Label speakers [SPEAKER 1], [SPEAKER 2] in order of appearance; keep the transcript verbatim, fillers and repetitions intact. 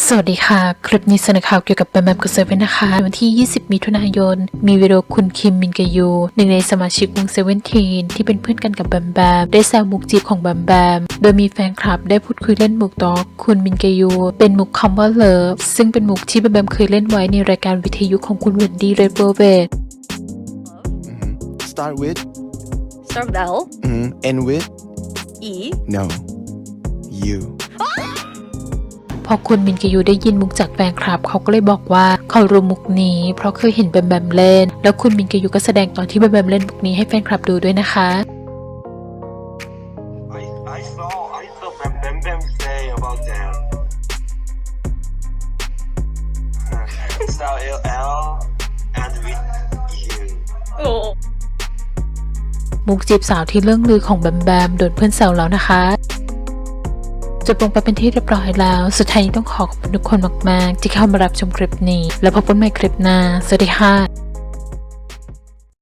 [SPEAKER 1] สวัสดีค่ะคลิปนี้เสนอข่าวเกี่ยวกับแบมแบมกับเซเว่นนะคะวันที่ยี่สิบมิถุนายนมีวิดีโอคุณคิมมินกยูหนึ่งในสมาชิกวงเซเว่นทีนที่เป็นเพื่อนกันกับแบมแบมได้แซวมุกจีบของแบมแบมโดยมีแฟนคลับได้พูดคุยเล่นมุกต่อคุณมินกยูเป็นมุกคำว่าเลิฟซึ่งเป็นมุกที่แบมแบมเคยเล่นไว้ในรายการวิทยุของคุณเวนดี้เรดเวลเวต
[SPEAKER 2] Start with
[SPEAKER 3] Start with L.
[SPEAKER 2] mm, end with
[SPEAKER 3] E.
[SPEAKER 2] no you
[SPEAKER 1] พอคุณมินกยูได้ยินมุกจากแฟนคลับเขาก็เลยบอกว่าเขารู้มุกนี้เพราะเคยเห็นแบมแบมเล่นแล้วคุณมินกยูก็แสดงตอนที่แบมแบมเล่นมุกนี้ให้แฟนคลับดูด้วยนะคะ
[SPEAKER 4] I I saw I saw Bam Bam Bam say about that. Style L L and with you.
[SPEAKER 3] Oh.
[SPEAKER 1] มุกจีบสาวที่เรื่องลือของแบมแบมโดนเพื่อนแซวแล้วนะคะจบลงไปเป็นที่เรียบร้อยแล้วสุดท้ายนี้ต้องขอขอบคุณทุกคนมากๆที่เข้ามารับชมคลิปนี้แล้วพบกันใหม่คลิปหน้าสวัสดีค่ะ